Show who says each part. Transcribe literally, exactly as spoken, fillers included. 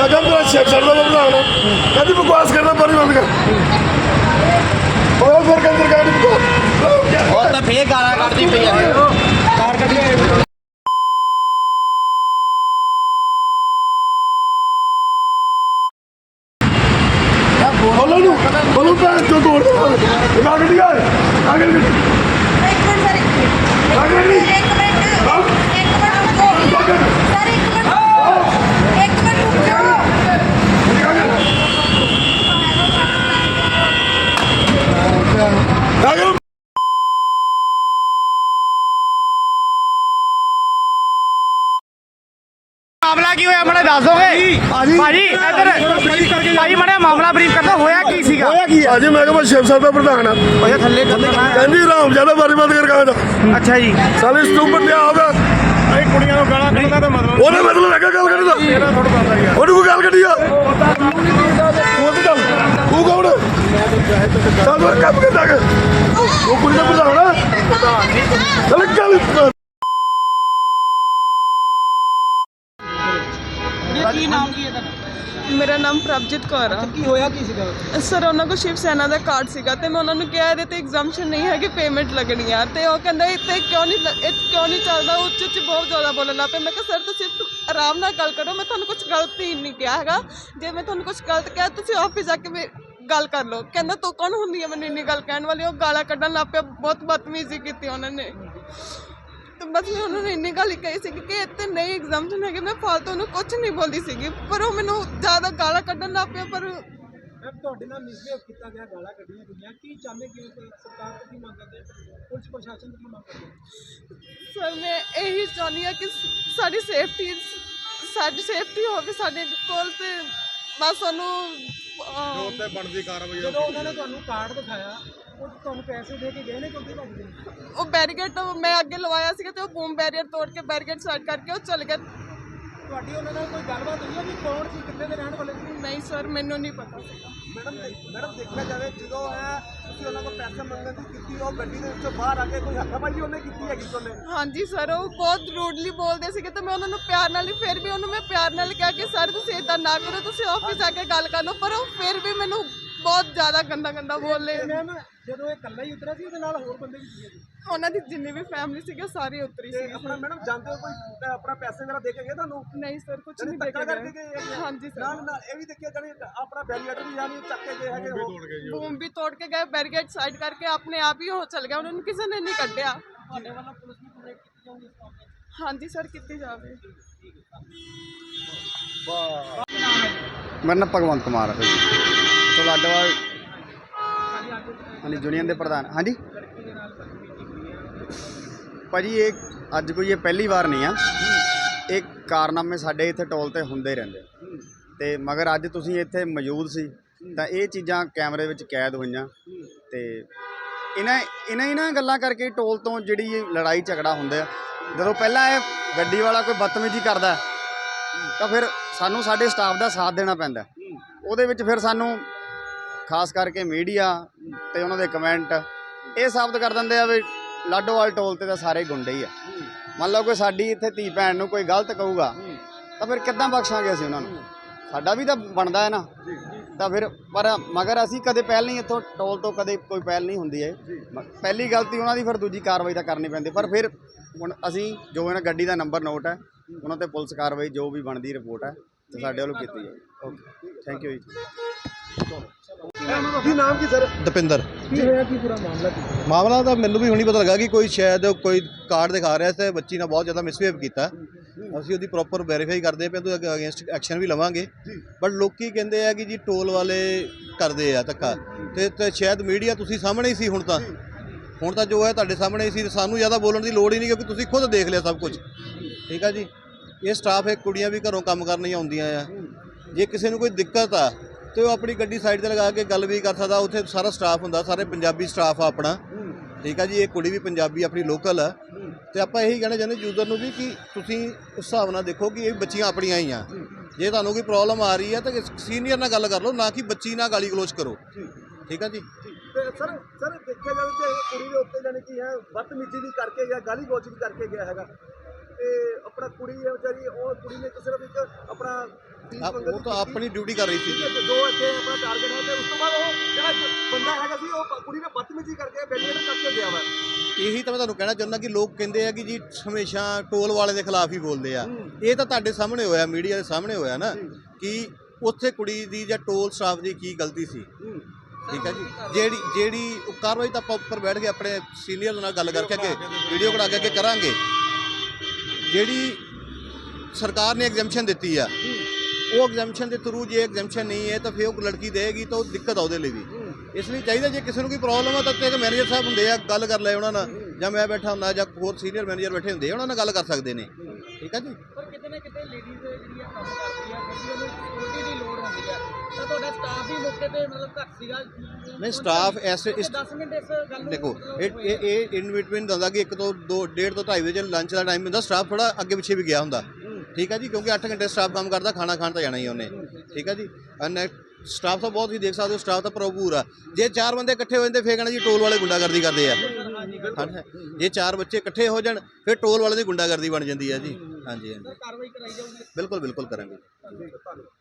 Speaker 1: मैं क्या मेरा शेख चढ़ना प्रधान कहती बकवास करना पानी बंद कर और फिर अंदर गाड़ी बकवास
Speaker 2: और तो फिर गाला कटदी पई है कार कटी
Speaker 1: बोलो नु बोलो पे जो तोड़ दो आगे नहीं आए आगे नहीं
Speaker 3: एक मिनट सर एक मिनट
Speaker 1: आगे नहीं
Speaker 3: एक मिनट एक मिनट रुको सर एक मिनट एक मिनट रुक जाओ
Speaker 1: आगे
Speaker 4: ਮਾਮਲਾ ਕੀ ਹੋਇਆ ਮੈਨੂੰ ਦੱਸ ਦੋਗੇ ਭਾਜੀ ਇੱਧਰ ਭਾਜੀ ਮੜਾ ਮਾਮਲਾ ਬਰੀਫ ਕਰਦਾ ਹੋਇਆ ਕੀ ਸੀਗਾ ਹੋਇਆ ਕੀ
Speaker 1: ਭਾਜੀ ਮੈਂ ਕਿਹਾ ਮੈਂ ਸ਼ਿਵ ਸਾਹਿਬ ਦਾ ਪ੍ਰਧਾਨ ਆ
Speaker 4: ਹੋਇਆ ਥੱਲੇ
Speaker 1: ਕਹਿੰਦੀ ਰਾਮ ਜਿਆਦਾ ਬਾਰੀ ਬੰਦ ਕਰ ਕਹਾਂ
Speaker 4: ਅੱਛਾ ਜੀ
Speaker 1: ਸਾਲੇ ਸਟੂਪਰ ਤੇ ਆਉਂਦਾ
Speaker 4: ਇਹ ਕੁੜੀਆਂ ਨੂੰ ਗਾਲਾਂ ਕੱਢਦਾ ਤਾਂ ਮਤਲਬ
Speaker 1: ਉਹਨੇ ਮਤਲਬ ਲੱਗਾ ਗੱਲ ਕਰੀ ਦਾ ਉਹਨੂੰ ਕੋਈ ਗੱਲ ਕੱਢੀ ਆ ਉਹ ਤੇ ਗੱਲ ਤੂੰ ਕੌਣ ਚੱਲ ਮੈਂ ਕੰਮ ਕਰਦਾ ਕਿ ਉਹ ਕੁੜੀ ਦਾ ਪ੍ਰਧਾਨ ਆ ਚੱਲ ਗੱਲ
Speaker 4: ਕੀ ਨਾਮ ਕੀ ਹੈ ਤੁਹਾਡਾ
Speaker 5: ਮੇਰਾ ਨਾਮ ਪ੍ਰਭਜੀਤ ਕੌਰ ਆ
Speaker 4: ਕੀ ਹੋਇਆ ਕੀ ਸੀਗਾ
Speaker 5: ਸਰ ਉਹਨਾਂ ਕੋਲ ਸ਼ਿਵ ਸੈਨਾ ਦਾ ਕਾਰਡ ਸੀਗਾ ਤੇ ਮੈਂ ਉਹਨਾਂ ਨੂੰ ਕਿਹਾ ਇਹਦੇ ਤੇ ਐਗਜ਼ਾਮਸ਼ਨ ਨਹੀਂ ਹੈ ਕਿ ਪੇਮੈਂਟ ਲੱਗਣੀ ਆ ਤੇ ਉਹ ਕਹਿੰਦਾ ਇੱਥੇ ਕਿਉਂ ਨਹੀਂ ਲ- ਇਹ ਕਿਉਂ ਨਹੀਂ ਚੱਲਦਾ ਉੱਚ ਉੱਚ ਬਹੁਤ ਜ਼ਿਆਦਾ ਬੋਲਣ ਲੱਗ ਪਏ ਮੈਂ ਕਿਹਾ ਸਰ ਤੁਸੀਂ ਆਰਾਮ ਨਾਲ ਗੱਲ ਕਰੋ ਮੈਂ ਤੁਹਾਨੂੰ ਕੁਝ ਗਲਤ ਹੀ ਨਹੀਂ ਕਿਹਾ ਹੈਗਾ ਜੇ ਮੈਂ ਤੁਹਾਨੂੰ ਕੁਝ ਗਲਤ ਕਿਹਾ ਤੁਸੀਂ ਆਫਿਸ ਜਾ ਕੇ ਮੇ- ਗੱਲ ਕਰ ਲਓ ਕਹਿੰਦਾ ਤੂੰ ਕੌਣ ਹੁੰਦੀ ਹੈ ਮੈਨੂੰ ਇੰਨੀ ਗੱਲ ਕਹਿਣ ਵਾਲੀ ਉਹ ਗਾਲਾਂ ਕੱਢਣ ਲੱਗ ਪਿਆ ਬਹੁਤ ਬਦਤਮੀਜ਼ੀ ਕੀਤੀ ਉਹਨਾਂ ਨੇ ਤੇ ਬਸ ਮੈਂ ਉਹਨਾਂ ਨੂੰ ਇੰਨੀ ਗੱਲ ਹੀ ਕਹੀ ਸੀ ਕਿ ਇੱਥੇ ਨਹੀਂ ਐਗਜ਼ਾਮਸ਼ਨ ਹੈਗੇ ਮੈਂ ਫਾਲਤੂ ਨੂੰ ਕੁਝ ਨਹੀਂ ਬੋਲਦੀ ਸੀਗੀ ਪਰ ਉਹ ਮੈਨੂੰ ਜ਼ਿਆਦਾ ਗਾਲਾਂ ਕੱਢਣ ਲੱਗ ਪਿਆ ਪਰ
Speaker 4: ਮੈਂ ਤੁਹਾਡੇ ਨਾਲ ਮਿਸਬਿਹੇਵ ਕੀਤਾ ਗਿਆ ਗਾਲਾਂ ਕੱਢੀਆਂ ਗਈਆਂ ਕੀ ਚਾਹੁੰਦੇ ਕਿ ਸਰਕਾਰ ਤੋਂ ਕੀ ਮੰਗ ਕਰਦੇ ਪੁਲਿਸ ਪ੍ਰਸ਼ਾਸਨ ਤੋਂ ਕੀ ਮੰਗ ਕਰਦੇ
Speaker 5: ਸਰ ਮੈਂ ਇਹੀ ਚਾਹੁੰਦੀ ਹਾਂ ਕਿ ਸਾਡੀ ਸੇਫਟੀ ਸਾਡੀ ਸੇਫਟੀ ਹੋਵੇ ਸਾਡੇ ਕੋਲ ਤੇ ਬਸ ਸਾਨੂੰ ਅਹ,
Speaker 1: ਬਣਦੀ ਕਾਰਵਾਈ
Speaker 4: ਜਦੋਂ ਉਹਨਾਂ ਨੇ ਤੁਹਾਨੂੰ ਕਾਰਡ ਦਿਖਾਇਆ ਉਹ ਤੁਹਾਨੂੰ ਪੈਸੇ ਦੇ ਕੇ ਗਏ ਨੇ ਕਿਉਂਕਿ ਭੱਜ ਗਏ
Speaker 5: ਉਹ ਬੈਰੀਕੇਡ ਮੈਂ ਅੱਗੇ ਲਵਾਇਆ ਸੀਗਾ ਤੇ ਉਹ ਬੂਮ ਬੈਰੀਅਰ ਤੋੜ ਕੇ ਬੈਰੀਕੇਡ ਸਾਈਡ ਕਰਕੇ ਉਹ ਚਲ ਗਿਆ
Speaker 4: ਤੁਹਾਡੀ ਉਹਨਾਂ ਨਾਲ ਕੋਈ ਗੱਲਬਾਤ ਹੋਈ ਹੈ ਵੀ ਕੌਣ ਸੀ ਕਿੱਥੇ ਦੇ ਰਹਿਣ ਵਾਲੇ ਸੀ
Speaker 5: ਨਹੀਂ ਸਰ ਮੈਨੂੰ ਨਹੀਂ ਪਤਾ ਸੀਗਾ
Speaker 6: ਮੈਡਮ ਮੈਡਮ ਦੇਖਿਆ ਜਾਵੇ ਜਦੋਂ ਹੈ ਤੁਸੀਂ ਉਹਨਾਂ ਕੋਲ ਪੈਸੇ ਮੰਗਣ ਦੀ ਕੀਤੀ ਉਹ ਗੱਡੀ ਦੇ ਵਿੱਚੋਂ ਬਾਹਰ ਆ ਕੇ ਕੋਈ ਹੱਥਾਪਾਈ ਉਹਨੇ ਕੀਤੀ ਹੈਗੀ ਉਹਨੇ
Speaker 5: ਹਾਂਜੀ ਸਰ ਉਹ ਬਹੁਤ ਰੂਡਲੀ ਬੋਲਦੇ ਸੀਗੇ ਤੇ ਮੈਂ ਉਹਨਾਂ ਨੂੰ ਪਿਆਰ ਨਾਲ ਹੀ ਫਿਰ ਵੀ ਉਹਨੂੰ ਮੈਂ ਪਿਆਰ ਨਾਲ ਕਿਹਾ ਕਿ ਸਰ ਤੁਸੀਂ ਇਦਾਂ ਨਾ ਕਰੋ ਤੁਸੀਂ ਆਫਿਸ ਜਾ ਕੇ ਗੱਲ ਕਰ ਲਓ ਪਰ ਉਹ ਫਿਰ ਵੀ ਮੈਨੂੰ ਬਹੁਤ ਜ਼ਿਆਦਾ ਗੰਦਾ ਗੰਦਾ ਬੋਲੇ
Speaker 4: ਮੈਮ ਜਦੋਂ ਇਹ ਇਕੱਲਾ ਹੀ ਉਤਰਿਆ ਸੀ ਉਹਦੇ ਨਾਲ ਹੋਰ ਬੰਦੇ ਵੀ ਸੀਗੇ
Speaker 5: ਉਹਨਾਂ ਦੀ ਜਿੰਨੀ ਵੀ ਫੈਮਿਲੀ ਸੀਗੀ ਉਹ ਸਾਰੀ ਉਤਰੀ ਸੀ
Speaker 6: ਆਪਣਾ ਮੈਡਮ ਜਾਂਦੇ ਹੋ ਕੋਈ ਆਪਣਾ ਪੈਸੇ ਵਗੈਰਾ ਦੇ ਕੇ ਗਏ ਤੁਹਾਨੂੰ
Speaker 5: ਨਹੀਂ ਸਰ ਕੁਝ ਨਹੀਂ
Speaker 6: ਧੱਕਾ
Speaker 5: ਦੇਖਿਆ
Speaker 6: ਕਰਕੇ ਗਏ ਹੈਗੇ ਆ?
Speaker 5: ਹਾਂਜੀ ਸਰ
Speaker 6: ਨਾਲ ਨਾਲ ਇਹ ਵੀ ਦੇਖਿਆ ਜਾਣੀ ਆਪਣਾ ਬੈਰੀਅਰ ਵੀ ਜਾਨੀ ਚੱਕ ਕੇ ਗਏ ਹੈਗੇ ਉਹ
Speaker 5: ਬੂਮ ਵੀ ਤੋੜ ਕੇ ਗਏ ਬੈਰੀਕੇਡ ਸਾਈਡ ਕਰਕੇ ਆਪਣੇ ਆਪ ਹੀ ਉਹ ਚਲ ਗਿਆ ਉਹਨਾਂ ਨੂੰ ਕਿਸੇ ਨੇ ਨਹੀਂ ਕੱਢਿਆ
Speaker 4: ਤੁਹਾਡੇ ਵੱਲੋਂ ਪੁਲਿਸ ਨੂੰ ਕੰਪਲੇਂਟ ਕੀਤੀ ਜਾਊਗੀ ਇਸ ਮਾਮਲੇ 'ਚ
Speaker 5: ਹਾਂਜੀ ਸਰ ਕੀਤੀ ਜਾਵੇ
Speaker 2: ਮੇਰਾ ਨਾਮ ਭਗਵੰਤ ਕੁਮਾਰ ਹੈ ਭਾਜੀ ਤੋਂ ਲਾਡੋਵਾਲ ਹਾਂਜੀ ਯੂਨੀਅਨ ਦੇ ਪ੍ਰਧਾਨ ਹਾਂਜੀ ਭਾਜੀ ਇਹ ਅੱਜ ਕੋਈ ਇਹ ਪਹਿਲੀ ਵਾਰ ਨਹੀਂ ਆ ਇਹ ਕਾਰਨਾਮੇ ਸਾਡੇ ਇੱਥੇ ਟੋਲ ਤੇ ਹੁੰਦੇ ਰਹਿੰਦੇ ਤੇ ਮਗਰ ਅੱਜ ਤੁਸੀਂ ਇੱਥੇ ਮੌਜੂਦ ਸੀ ਤਾਂ ਇਹ ਚੀਜ਼ਾਂ ਕੈਮਰੇ ਵਿੱਚ ਕੈਦ ਹੋਈਆਂ ਤੇ ਇਹਨਾਂ ਇਹਨਾਂ ਇਹਨਾਂ ਗੱਲਾਂ ਕਰਕੇ ਟੋਲ ਤੋਂ ਜਿਹੜੀ ਇਹ ਲੜਾਈ ਝਗੜਾ ਹੁੰਦਾ ਜਦੋਂ ਪਹਿਲਾਂ ਇਹ ਗੱਡੀ ਵਾਲਾ ਕੋਈ ਬਦਤਮੀਜ਼ੀ ਕਰਦਾ ਤਾਂ ਫਿਰ ਸਾਨੂੰ ਸਾਡੇ ਸਟਾਫ ਦਾ ਸਾਥ ਦੇਣਾ ਪੈਂਦਾ ਉਹਦੇ ਵਿੱਚ ਫਿਰ ਸਾਨੂੰ ਖਾਸ ਕਰਕੇ ਮੀਡੀਆ ਤੇ ਉਹਨਾਂ ਦੇ ਕਮੈਂਟ ਇਹ ਸਾਬਤ ਕਰ ਦਿੰਦੇ ਆ ਵੀ ਲਾਡੋਵਾਲ ਟੋਲ ਤੇ ਤਾਂ ਸਾਰੇ ਗੁੰਡੇ ਹੀ ਆ ਮੰਨ ਲਓ ਕੋਈ ਸਾਡੀ ਇੱਥੇ ਧੀ ਭੈਣ ਨੂੰ ਕੋਈ ਗਲਤ ਕਹੂਗਾ ਤਾਂ ਫਿਰ ਕਿੱਦਾਂ ਬਖਸ਼ਾਂਗੇ ਅਸੀਂ ਉਹਨਾਂ ਨੂੰ ਸਾਡਾ ਵੀ ਤਾਂ ਬਣਦਾ ਹੈ ਨਾ ਤਾਂ ਫਿਰ ਪਰ ਮਗਰ ਅਸੀਂ ਕਦੇ ਪਹਿਲ ਨਹੀਂ ਇੱਥੋਂ ਟੋਲ ਤੋਂ ਕਦੇ ਕੋਈ ਪਹਿਲ ਨਹੀਂ ਹੁੰਦੀ ਹੈ ਪਹਿਲੀ ਗਲਤੀ ਉਹਨਾਂ ਦੀ ਫਿਰ ਦੂਜੀ ਕਾਰਵਾਈ ਤਾਂ ਕਰਨੀ ਪੈਂਦੀ ਪਰ ਫਿਰ ਹੁਣ ਅਸੀਂ ਜੋ ਇਹਨਾਂ ਗੱਡੀ ਦਾ ਨੰਬਰ ਨੋਟ ਹੈ ਉਹਨਾਂ ਤੇ ਪੁਲਿਸ ਕਾਰਵਾਈ ਜੋ ਵੀ ਬਣਦੀ ਰਿਪੋਰਟ ਹੈ ਤੇ ਸਾਡੇ ਵੱਲੋਂ ਕੀਤੀ ਹੈ ਓਕੇ ਥੈਂਕ ਯੂ ਜੀ
Speaker 6: ਕੀ ਨਾਮ ਕੀ ਸਰ
Speaker 7: ਦਪਿੰਦਰ
Speaker 4: ਕੀ ਹੋਇਆ ਕੀ ਪੂਰਾ ਮਾਮਲਾ ਕੀ
Speaker 7: ਮਾਮਲਾ ਤਾਂ ਮੈਨੂੰ ਵੀ ਹੁਣੀ ਪਤਾ ਲੱਗਾ ਕਿ ਕੋਈ ਸ਼ਾਇਦ ਕੋਈ ਕਾਰਡ ਦਿਖਾ ਰਿਹਾ ਸੀ ਬੱਚੀ ਨਾਲ ਬਹੁਤ ਜ਼ਿਆਦਾ ਮਿਸਬਿਹੇਵ ਕੀਤਾ ਅਸੀਂ ਉਹਦੀ ਪ੍ਰੋਪਰ ਵੈਰੀਫਾਈ ਕਰਦੇ ਪਏ ਤੇ ਅਗੇਂਸਟ ਐਕਸ਼ਨ ਵੀ ਲਵਾਂਗੇ ਬਟ ਲੋਕੀ ਕਹਿੰਦੇ ਆ ਕਿ ਜੀ ਟੋਲ ਵਾਲੇ ਕਰਦੇ ਆ ਧੱਕਾ ਤੇ ਤੇ ਸ਼ਾਇਦ ਮੀਡੀਆ ਤੁਸੀਂ ਸਾਹਮਣੇ ਹੀ ਸੀ ਹੁਣ ਤਾਂ ਹੁਣ ਤਾਂ ਜੋ ਹੈ ਤੁਹਾਡੇ ਸਾਹਮਣੇ ਹੀ ਸੀ ਸਾਨੂੰ ਜ਼ਿਆਦਾ ਬੋਲਣ ਦੀ ਲੋੜ ਹੀ ਨਹੀਂ ਕਿਉਂਕਿ ਤੁਸੀਂ ਖੁਦ ਦੇਖ ਲਿਆ ਸਭ ਕੁਝ ਠੀਕ ਆ ਜੀ ਇਹ ਸਟਾਫ ਹੈ ਕੁੜੀਆਂ ਵੀ ਘਰੋਂ ਕੰਮ ਕਰਨ ਹੀ ਆਉਂਦੀਆਂ ਆ ਜੇ ਕਿਸੇ ਨੂੰ ਕੋਈ ਦਿੱਕਤ ਆ ਤੇ ਉਹ ਆਪਣੀ ਗੱਡੀ ਸਾਈਡ ਤੇ ਲਗਾ ਕੇ ਗੱਲ ਵੀ ਕਰ ਸਕਦਾ ਉੱਥੇ ਸਾਰਾ ਸਟਾਫ ਹੁੰਦਾ ਸਾਰੇ ਪੰਜਾਬੀ ਸਟਾਫ ਆ ਆਪਣਾ ਠੀਕ ਆ ਜੀ ਇਹ ਕੁੜੀ ਵੀ ਪੰਜਾਬੀ ਆਪਣੀ ਲੋਕਲ ਆ ਤੇ ਆਪਾਂ ਇਹੀ ਕਹਿਣਾ ਚਾਹੁੰਦੇ ਯੂਜ਼ਰ ਨੂੰ ਵੀ ਕਿ ਤੁਸੀਂ ਉਸ ਹਿਸਾਬ ਨਾਲ ਦੇਖੋ ਕਿ ਇਹ ਬੱਚੀਆਂ ਆਪਣੀਆਂ ਹੀ ਆ ਜੇ ਤੁਹਾਨੂੰ ਕੋਈ ਪ੍ਰੋਬਲਮ ਆ ਰਹੀ ਹੈ ਤਾਂ ਸੀਨੀਅਰ ਨਾਲ ਗੱਲ ਕਰ ਲਓ ਨਾ ਕਿ ਬੱਚੀ ਨਾਲ ਗਾਲੀ ਗਲੋਚ ਕਰੋ ਠੀਕ ਆ ਜੀ
Speaker 6: ਤੇ ਸਰ ਸਰ ਦੇਖਿਆ ਜਾਵੇ ਤੇ ਕੁੜੀ ਦੇ ਉੱਤੇ ਜਾਨੀ ਕੀ ਹੈ ਬਦਤਮੀਜ਼ੀ ਵੀ ਕਰਕੇ ਗਿਆ ਗਾਲੀ ਗਲੋਚ ਵੀ ਕਰਕੇ ਗਿਆ ਹੈਗਾ ਇਹ ਆਪਣਾ ਕੁੜੀ ਹੈ ਵਿਚਾਰੀ, ਉਹ ਕੁੜੀ ਨੇ ਤਾਂ ਸਿਰਫ ਇੱਕ ਆਪਣਾ ਫੀਸ
Speaker 7: ਆ-
Speaker 6: ਮੰਗਣ
Speaker 7: ਉਹ
Speaker 6: ਦੀ
Speaker 7: ਤਾਂ
Speaker 6: ਕੀਤੀ।
Speaker 7: ਆਪਣੀ ਡਿਊਟੀ ਕਰ ਰਹੀ ਸੀ
Speaker 6: ਠੀਕ ਹੈ, ਤੇ ਜੋ ਇੱਥੇ ਆਪਣਾ ਟਾਰਗੇਟ ਹੈ ਤੇ ਉਸ ਤੋਂ ਬਾਅਦ ਉਹ ਜਿਹੜਾ ਬੰਦਾ ਹੈਗਾ ਸੀ ਉਹ ਕੁੜੀ ਨੇ ਬਦਤਮੀਜ਼ੀ ਕਰਕੇ ਬੈਰੀਅਰ ਕੱਟ ਕੇ ਗਿਆ ਵਾ।
Speaker 7: ਇਹੀ ਤਾਂ ਮੈਂ ਤੁਹਾਨੂੰ ਕਹਿਣਾ ਚਾਹੁੰਦਾ ਕਿ ਲੋਕ ਕਹਿੰਦੇ ਆ ਕਿ ਜੀ ਹਮੇਸ਼ਾ ਟੋਲ ਵਾਲੇ ਦੇ ਖਿਲਾਫ ਹੀ ਬੋਲਦੇ ਆ। ਇਹ ਤਾਂ ਤੁਹਾਡੇ ਸਾਹਮਣੇ ਹੋਇਆ, ਮੀਡੀਆ ਦੇ ਸਾਹਮਣੇ ਹੋਇਆ ਨਾ ਕਿ ਉੱਥੇ ਕੁੜੀ ਦੀ ਜਾਂ ਟੋਲ ਸਟਾਫ ਦੀ ਕੀ ਗਲਤੀ ਸੀ। ਠੀਕ ਹੈ ਜੀ, ਜਿਹੜੀ ਜਿਹੜੀ ਉਹ ਕਾਰਵਾਈ ਤਾਂ ਆਪਾਂ ਉੱਪਰ ਬੈਠ ਕੇ ਆਪਣੇ ਸੀਨੀਅਰ ਨਾਲ ਗੱਲ ਕਰਕੇ ਅੱਗੇ ਵੀਡੀਓ ਕਢਾ ਕੇ ਅੱਗੇ ਕਰਾਂਗੇ। ਜਿਹੜੀ ਸਰਕਾਰ ਨੇ ਐਗਜ਼ੈਂਪਸ਼ਨ ਦਿੱਤੀ ਆ, ਉਹ ਐਗਜ਼ੈਂਪਸ਼ਨ ਦੇ ਥਰੂ ਜੇ ਐਗਜ਼ੈਂਪਸ਼ਨ ਨਹੀਂ ਹੈ ਤਾਂ ਫਿਰ ਉਹ ਲੜਕੀ ਦੇਗੀ ਤਾਂ ਉਹ ਦਿੱਕਤ ਆ ਉਹਦੇ ਲਈ ਵੀ। ਇਸ ਲਈ ਚਾਹੀਦਾ ਜੇ ਕਿਸੇ ਨੂੰ ਕੋਈ ਪ੍ਰੋਬਲਮ ਆ ਤਾਂ ਇੱਕ ਮੈਨੇਜਰ ਸਾਹਿਬ ਹੁੰਦੇ ਆ, ਗੱਲ ਕਰ ਲੈ ਉਹਨਾਂ ਨਾਲ, ਜਾਂ ਮੈਂ ਬੈਠਾ ਹੁੰਦਾ ਜਾਂ ਹੋਰ ਸੀਨੀਅਰ ਮੈਨੇਜਰ ਬੈਠੇ ਹੁੰਦੇ ਆ, ਉਹਨਾਂ ਨਾਲ ਗੱਲ ਕਰ ਸਕਦੇ ਨੇ। ਠੀਕ ਹੈ ਜੀ।
Speaker 4: ਪਰ ਕਿਤੇ ਨਾ ਕਿਤੇ ਲੇਡੀਜ਼ ਜਿਹੜੀਆਂ ਕੰਮ ਕਰਦੀ ਆ ਕਿਉਂਕਿ ਉਹਨੂੰ ਸਿਕਿਉਰਿਟੀ ਦੀ ਲੋੜ ਹੁੰਦੀ ਆ, ਤਾਂ ਤੁਹਾਡਾ ਸਟਾਫ ਹੀ ਮੌਕੇ ਤੇ ਮਤਲਬ ਘੱਟ ਸੀਗਾ।
Speaker 7: ਨਹੀਂ ਸਟਾਫ ਐਸੇ ਇਸ
Speaker 4: ਦਸ ਮਿੰਟ ਇਸ ਗੱਲ ਨੂੰ
Speaker 7: ਦੇਖੋ ਇਹ ਇਹ ਇਹ ਇਨ ਬਿਟਵੀਨ ਹੁੰਦਾ ਕਿ ਇੱਕ ਤੋਂ ਦੋ ਡੇਢ ਤੋਂ ਢਾਈ ਵਜੇ ਲੰਚ ਦਾ ਟਾਈਮ ਹੁੰਦਾ, ਸਟਾਫ ਥੋੜਾ ਅੱਗੇ ਪਿੱਛੇ ਵੀ ਗਿਆ ਹੁੰਦਾ। ਠੀਕ ਹੈ ਜੀ, ਕਿਉਂਕਿ ਅੱਠ ਘੰਟੇ ਸਟਾਫ ਕੰਮ ਕਰਦਾ, ਖਾਣਾ ਖਾਣ ਤਾਂ ਜਾਣਾ ਹੀ ਉਹਨੇ। ਠੀਕ ਹੈ ਜੀ, ਐਂਡ ਸਟਾਫ ਤਾਂ ਬਹੁਤ ਹੀ ਦੇਖ ਸਕਦੇ ਹੋ, ਸਟਾਫ ਤਾਂ ਭਰਪੂਰ ਆ। ਜੇ ਚਾਰ ਬੰਦੇ ਇਕੱਠੇ ਹੋ ਜਾਂਦੇ ਫੇਰ ਕਹਿਣਾ ਜੀ ਟੋਲ ਵਾਲੇ ਗੁੰਡਾਗਰਦੀ ਕਰਦੇ ਆ। ਹਾਂਜੀ, ਜੇ ਚਾਰ ਬੱਚੇ ਇਕੱਠੇ ਹੋ ਜਾਣ ਫਿਰ ਟੋਲ ਵਾਲੇ ਦੀ ਗੁੰਡਾਗਰਦੀ ਬਣ ਜਾਂਦੀ ਹੈ ਜੀ। ਹਾਂਜੀ ਹਾਂਜੀ,
Speaker 4: ਕਾਰਵਾਈ ਕਰਾਈ ਜਾਊਗੀ।
Speaker 7: ਬਿਲਕੁਲ ਬਿਲਕੁਲ ਕਰਾਂਗੇ।